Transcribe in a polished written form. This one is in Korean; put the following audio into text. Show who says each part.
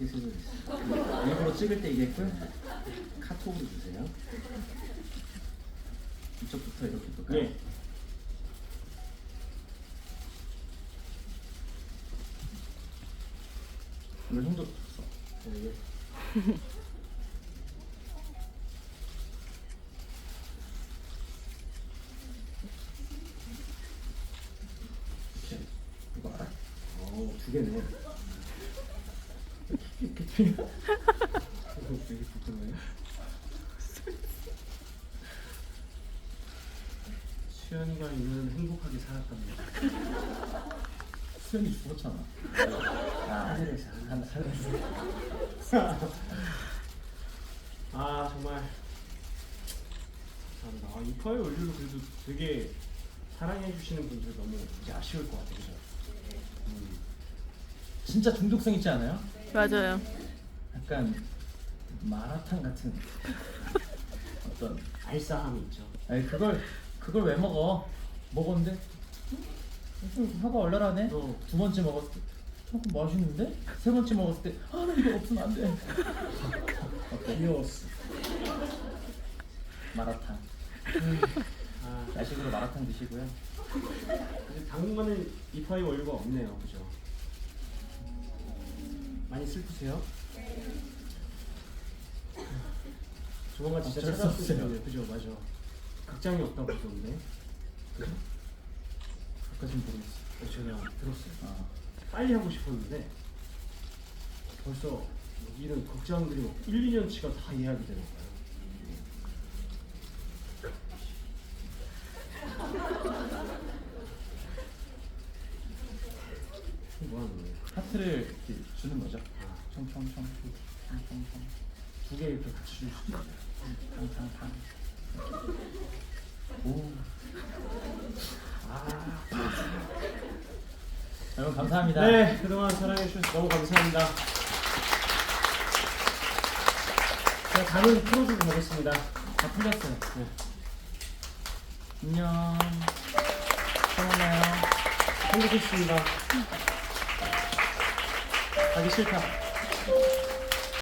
Speaker 1: 실수를 했어요. 일부러 찍을 때 얘기했고요. 카톡으로 주세요. 이쪽부터 이렇게 볼까요?
Speaker 2: 네.
Speaker 1: 오늘 형도 줬어.
Speaker 2: 네.
Speaker 1: 이렇게 이거 알아?
Speaker 2: 두 개네.
Speaker 1: 이렇게 틀려?
Speaker 2: 이거 되게 불편해요. 수연이가 있는 행복하게 살았답니다.
Speaker 1: 수현이 죽었잖아. 하늘에서
Speaker 2: 아 정말 감사합니다. 아, 이파이 원료도 그래도 되게 사랑해 주시는 분들 너무 이제 아쉬울 것 같아요. 그죠?
Speaker 1: 진짜 중독성 있지 않아요?
Speaker 3: 맞아요.
Speaker 1: 약간 마라탕 같은 어떤.
Speaker 2: 알싸함이 있죠.
Speaker 1: 아니 그걸 왜 먹어? 먹었는데 좀 혀가 얼얼하네. 두 번째 먹었을 때 조금 맛있는데? 세 번째 먹었을 때 아 나 이거 없으면 안 돼. 어때?
Speaker 2: 귀여웠어.
Speaker 1: 마라탕.
Speaker 2: 아,
Speaker 1: 야식으로 마라탕 드시고요.
Speaker 2: 근데 당분간은 이파이 원료가 없네요. 그죠? 많이 슬프세요? 조만간 진짜
Speaker 1: 어쩔 수
Speaker 2: 찾아왔을
Speaker 1: 없어요.
Speaker 2: 텐데. 그죠? 맞아. 극장이 없다고 그러던데. 그죠?
Speaker 1: 그까진 모르겠어.
Speaker 2: 제가 들었어요.
Speaker 1: 아,
Speaker 2: 빨리 하고 싶었는데 벌써 여기는 극장들이 뭐 1, 2년치가 다 예약이 되는 거예요. 뭐 하는 거예요?
Speaker 1: 하트를 이렇게 주는 거죠. 청청청 청청청
Speaker 2: 두 개 이렇게 같이 줄 수도 있어요.
Speaker 1: 탕탕탕. 오. 여러분 감사합니다.
Speaker 2: 네, 그동안 사랑해 주셔서 너무 감사합니다. 제가 다른 프로도 가겠습니다.
Speaker 1: 다 풀렸어요.
Speaker 2: 네.
Speaker 1: 안녕. 또 만나요.
Speaker 2: 행복했습니다. 가기 싫다.